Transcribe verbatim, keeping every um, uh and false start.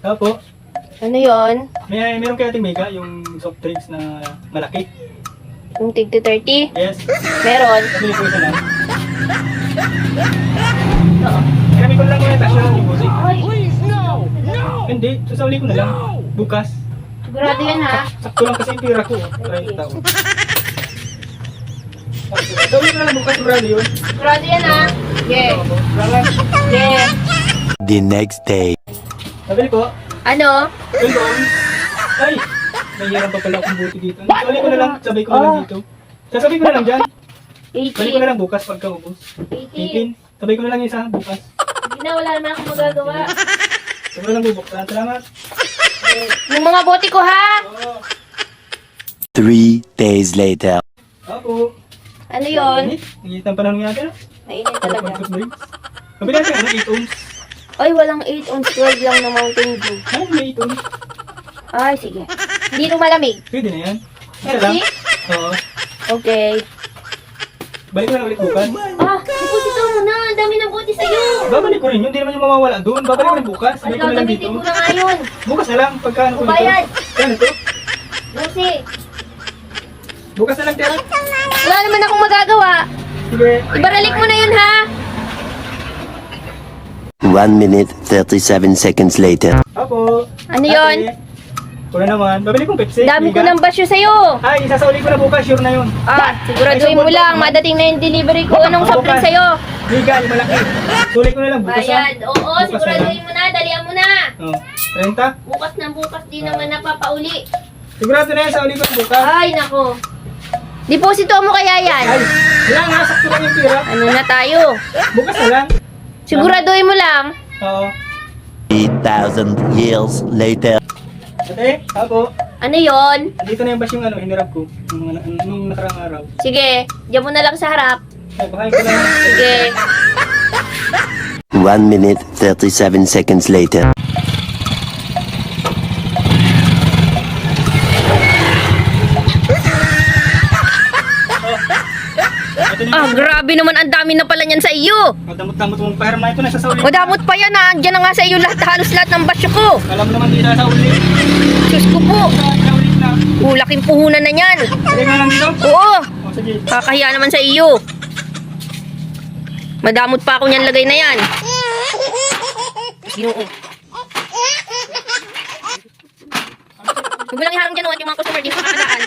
Opo. Ano yon? May meron kaya ating mega, yung soft drinks na malaki. Yung tig to thirty? Yes. Meron. Sabi ko isa lang. Oo. Kami ko lang muna tasyo yung music. Ay, Hindi, sasauli ko na lang. Bukas. sigurado yan ha. Sakto lang kasi yung pira ko. thirty tao. Sasauli ko na lang bukas, sigurado yun. Sigurado yan ha. Yeah. Salamat. Yeah. The next day. Sabi ko, Ano? welcome. Ay, nahihirap pa pala akong buti dito. Sasauli ko na lang, sabay ko na lang dito. Sasabi ko na lang dyan. Balik ko na eighteen. lang bukas pagka ubos. eighteen. eighteen. Sabay ko na lang yung isa bukas. Hindi na, wala naman akong magagawa. Sabay lang bubuksan. Salamat. Yung mga bote ko ha. Oo. Three days later. Ako. Ano yon? Nagigit ng panahon nga natin. Mainit Para talaga. pag drinks. Sabi natin, ano, eight ohms. Ay, walang eight ounce, twelve lang na Mountain Dew. Ano, may eight ohms. Ay, sige. Hindi ito malamig. Pwede na yan. Isa lang. Pepsi? Oo. Okay. Balik ko na ulit bukas. Ah, deposito mo na. Ang dami ng bote sa'yo. Babalik ko rin yun. Hindi naman yung mawawala doon. Babalik ko rin bukas. Ay, Sabay ko na lang dito. gagamitin ko na nga yun. Bukas na lang. Pagka ano ko dito. Bayad. Kaya ito. Kasi, Bukas na lang, Tia. wala naman akong magagawa. Sige. Ibaralik mo na yun, ha? One minute, thirty-seven seconds later. Ako. Ano yun? Ate. Ako na naman. Babalik kong Pepsi. Dami ko Liga. ng basyo sa'yo. Ay, isasauli ko na bukas. Sure na yun. Ah, siguraduhin mo lang. Madating na yung delivery ko. Anong soft drink sa'yo? Liga, yung malaki. Sulit ko na lang. Bukas Bayad. na. Oo, Bukas siguraduhin mo na. Dalian mo na. Oh. Renta? Bukas na bukas. Di naman napapauli. Sigurado na yan. Sauli ko na bukas. Ay, nako. Deposito mo kaya yan? Ay, lang ha. Sakto lang yung pira. Ano na tayo? Bukas na lang. Siguraduhin mo lang. Oo. Three thousand years later. Ate, ako. Ano yon? Andito na yung bas yung ano, hinirap ko. Nung, nung, nung nakarang araw. Sige, diyan mo na lang sa harap. Ay, kuhain ko lang. Sige. One minute, thirty-seven seconds later. Ito na Ah, yung grabe naman. Ang dami na pala niyan sa iyo. damot-damot mong pahirma ito na sa sauli. Madamot pa yan ah. Diyan na nga sa iyo lahat, halos lahat ng basyo ko. Alam naman di sa sauli. Diyos ko po. Sa ulit na. Oh, laking puhunan na yan. Sige nga lang dito. Oo. O, sige. Kakahiya naman sa iyo. Madamot pa ako niyan lagay na yan. Ginoo. Huwag mo lang iharang dyan, oh, at yung mga customer di makakadaan.